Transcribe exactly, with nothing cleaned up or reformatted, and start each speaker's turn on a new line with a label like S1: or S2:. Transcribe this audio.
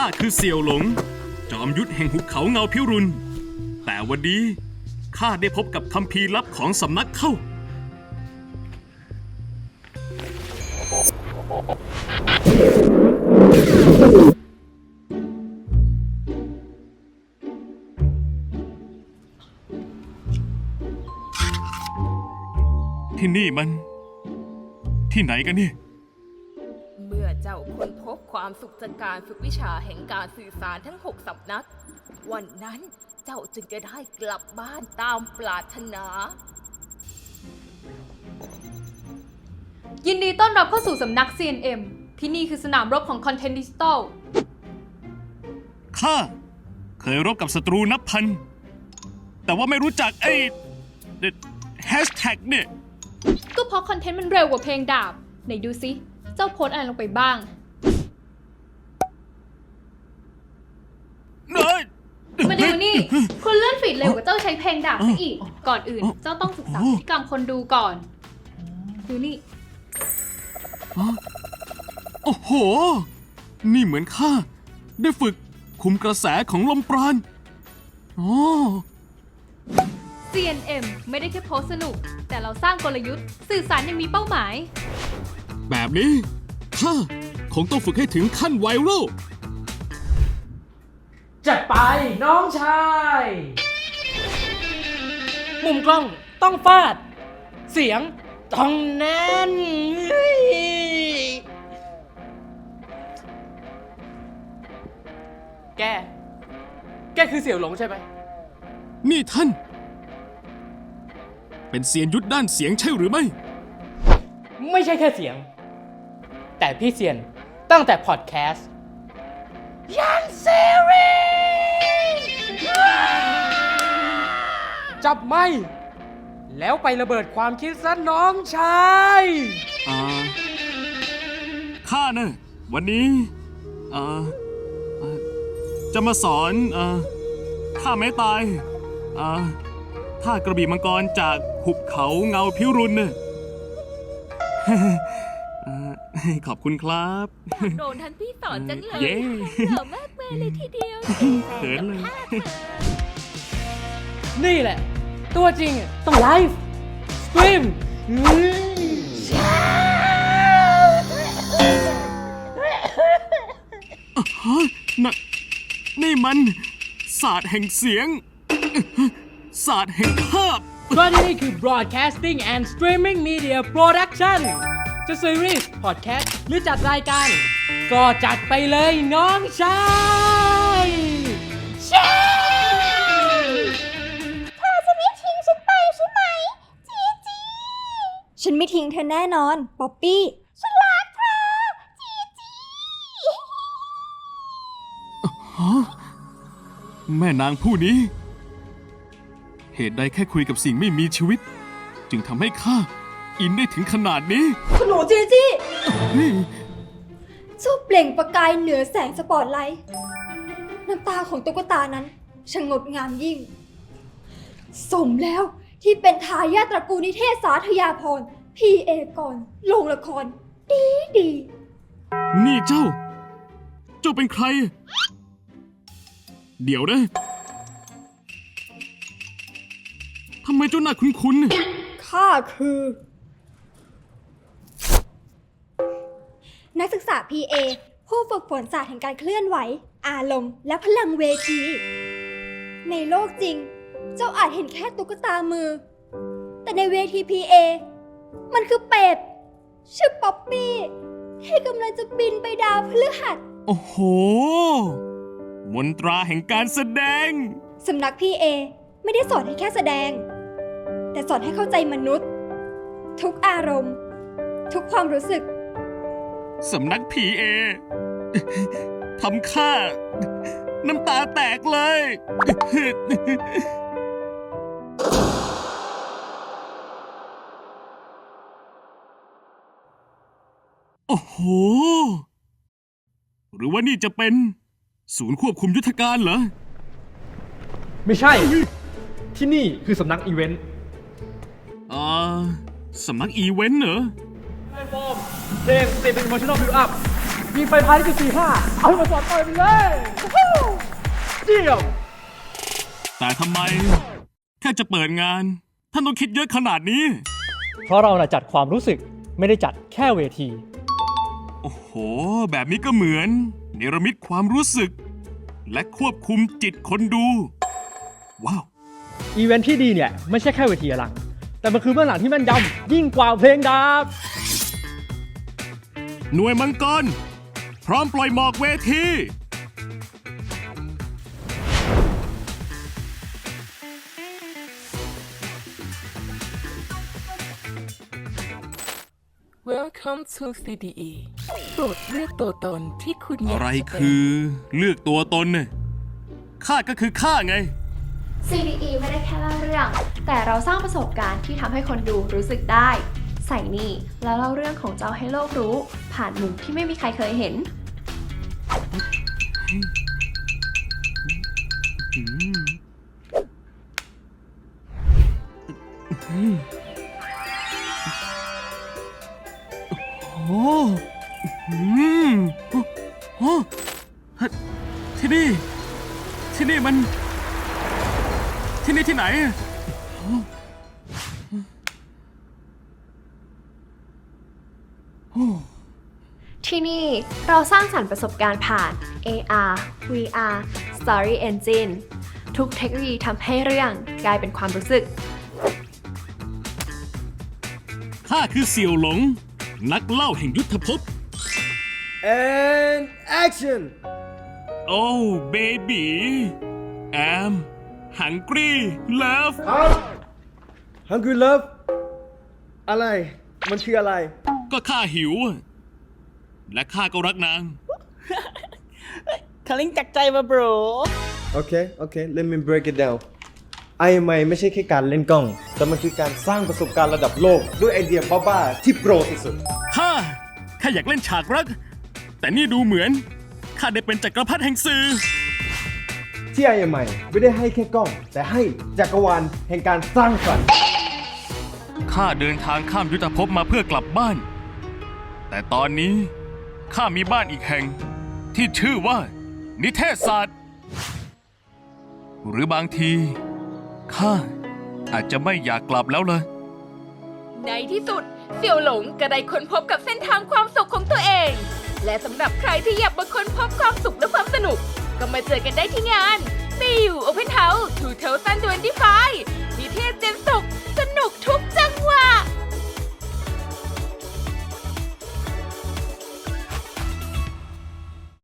S1: ข้าคือเสี่ยวหลงจอมยุทธแห่งหุบเขาเงาพิรุณแต่วันนี้ข้าได้พบกับคัมภีร์ลับของสำนักเข้าที่นี่มันที่ไหนกันเนี่ย
S2: เมื่อเจ้าค้นพบความสุขจากการฝึกวิชาแห่งการสื่อสารทั้งหกสำนักวันนั้นเจ้าจึงจะได้กลับบ้านตามปรารถนา
S3: ยินดีต้อนรับเข้าสู่สำนัก ซี เอ็น เอ็ม ที่นี่คือสนามรบของคอนเทนต์ดิจิตอล
S1: ข้าเคยรบกับศัตรูนับพันแต่ว่าไม่รู้จักไอ้แฮชแท็กเนี่ย
S3: ก็เพราะคอนเทนต์มันเร็วกว่าเพลงดาบไหนดูซิเจ้าโพสอะไรลงไปบ้างมาดูนี่คุณเลื่อนฟีดเร็วกว่าเจ้าใช้เพลงดาบซะอีกก่อนอื่นเจ้าต้องศึกษาพฤติกรรมคนดูก่อนดูนี่
S1: โอ้โหนี่เหมือนข้าได้ฝึกคุมกระแสของลมปราณอ๋อ
S3: ซี เอ็น เอ็ม ไม่ได้แค่โพสสนุกแต่เราสร้างกลยุทธ์สื่อสารยังมีเป้าหมาย
S1: แบบนี้ข้าคงต้องฝึกให้ถึงขั้นไวรัล
S4: จัดไปน้องชายมุมกล้องต้องฟาดเสียงต้องแน่นแกแกคือเสี่ยวหลงใช่ไหม
S1: นี่ท่านเป็นเซียนยุทธด้านเสียงใช่หรือไม่
S4: ไม่ใช่แค่เสียงแต่พี่เซียนตั้งแต่พอดแคสต์ยันซีรีส์จับไม่แล้วไประเบิดความคิดซะน้องชาย
S1: อ่าข้านะวันนี้อ่าจะมาสอนอ่าท่าไม้ตายอ่าท่ากระบี่มังกรจากหุบเขาเงาพิรุณเนี่ยขอบคุณครับ
S2: โดนท่านพี่สอนจังเลย
S1: เย้
S2: เหล่ามากเลยทีเดียว
S1: เขินเลย
S4: นี่แหละตัวจริงต้องไลฟ์สตรีม
S1: ฮะน่ะนี่มันศาสตร์แห่งเสียงศาสตร์แห่งภาพ
S4: เพราะที่นี่คือ Broadcasting and Streaming Media Production จะซีรีส์พอดแคสต์หรือจัดรายการก็จัดไปเลยน้องชาย
S5: เชเธอจะไม่ทิ้งฉันไปใช่ไหมจีจีฉันไม่ทิ้งเธอแน่นอนป๊อปปี้ฉันรักเธอจีจี
S1: แม่นางผู้นี้เหตุใดแค่คุยกับสิ่งไม่มีชีวิตจึงทำให้ข้าอินได้ถึงขนาดนี้
S5: คุณหนูจีจีเจ้าเปล่งประกายเหนือแสงสปอตไลท์น้ำตาของตุ๊กตานั้นช่างงดงามยิ่งสมแล้วที่เป็นทายาทตระกูลนิเทศสาธยาพรพีเอกรลงละครดีดี
S1: นี่เจ้าเจ้าเป็นใครเดี๋ยวนะทำไมเจ้าหน้าคุ้น
S5: ๆข้าคือนักศึกษา พี เอ ผู้ฝึกฝนศาสตร์แห่งการเคลื่อนไหวอารมณ์และพลังเวทีในโลกจริงเจ้าอาจเห็นแค่ตุ๊กตามือแต่ในเวที พี เอ มันคือเป็ดชื่อป๊อปปี้ที่กำลังจะบินไปดาวพฤหัส
S1: โอ้โหมนตราแห่งการแสดง
S5: สำนัก พี เอ ไม่ได้สอนให้แค่แสดงแต่สอนให้เข้าใจมนุษย์ทุกอารมณ์ทุกความรู้สึก
S1: สำนัก พี เอ ทำข้าน้ำตาแตกเลยโอ้โหหรือว่านี่จะเป็นศูนย์ควบคุมยุทธการเหรอ
S6: ไม่ใช่ที่นี่คือสำนักอีเวนต์
S1: อ่าสำนักอีเวนต์เหรอ
S6: แพลตฟอร์มเพลงสเตปเป็นอิโมชั่นอลบิลด์อัพยิงไปภายในจุดสี่ห้าเอาให้มาสอดต่อยไปเลยวู้เดี่ยว
S1: แต่ทำไม แค่จะเปิดงาน ท่านต้องคิดเยอะขนาดนี้
S6: เพราะเราน่ะจัดความรู้สึกไม่ได้จัดแค่เวที
S1: โอ้โห แบบนี้ก็เหมือนเนรมิตความรู้สึก และควบคุมจิตคนดู ว้าว
S6: อีเวนท์ที่ดีเนี่ย ไม่ใช่แค่เวทีอลัง แต่มันคือเบื้องหลังที่แม่นยำยิ่งกว่าเพลงดับ
S1: หน่วยมังกร พร้อมปล่อยหมอกเวที
S2: Welcome to ซี ดี อี โปรดเลือกตัวตนที่คุณอยาก
S1: อะไร
S2: จะเป็น
S1: คือเลือกตัวตนเนี่ยข้าก็คือข้าไง
S7: ซี ดี อี ไม่ได้แค่เล่าเรื่อง แต่เราสร้างประสบการณ์ที่ทำให้คนดูรู้สึกได้ ใส่นี่แล้วเล่าเรื่องของเจ้าให้โลกรู้ ผ่านมุมที่ไม่มีใครเคยเห็น
S1: โอ้อืมโอ้โอ้ฮะที่นี่ ที่นี่มัน ที่นี่ที่ไหน
S7: ที่นี่เราสร้างสรรค์ประสบการณ์ผ่าน เอ อาร์ วี อาร์ Story Engine ทุกเทคโนโลยีทำให้เรื่องกลายเป็นความรู้สึก
S1: ข้าคือเสี่ยวหลง นักเล่าแห่งยุทธภพ
S6: and action
S1: โอ้เบบีแอมฮังกี้เลิฟ
S6: Hungry Love อะไร มันคืออะไร
S1: ก็ข้าหิวอะและข้าก็รักนาง
S8: คลิงจากใจมา bro
S9: โอเค โอเค let me break it down ไอเอ็ม ไอ ไม่ใช่แค่การเล่นกล้อง แต่มันคือการสร้างประสบการณ์ระดับโลก ด้วยไอเดียบ้าๆที่โปรสุด
S1: ข้าข้าอยากเล่นฉากรัก แต่นี่ดูเหมือน ข้าได้เป็นจักรพรรดิแห่งสื่อ
S9: ๆที่ ไอ เอ็ม ไอ ไม่ได้ให้แค่กล้อง แต่ให้จักรวาลแห่งการสร้างสรรค์
S1: ข้าเดินทางข้ามยุทธภพมาเพื่อกลับบ้าน แต่ตอนนี้ข้ามีบ้านอีกแห่ง ที่ชื่อว่า นิเทศศาสตร์ หรือบางทีข้าอาจจะไม่อยากกลับแล้วเลย
S2: ในที่สุดเสี่ยวหลงก็ได้ค้นพบกับเส้นทางความสุขของตัวเอง และสำหรับใครที่อยากมาค้นพบความสุขและความสนุก ก็มาเจอกันได้ที่งาน ติว Open House สองพันยี่สิบห้า นิเทศเจนสุข สนุกทุกจังหวะ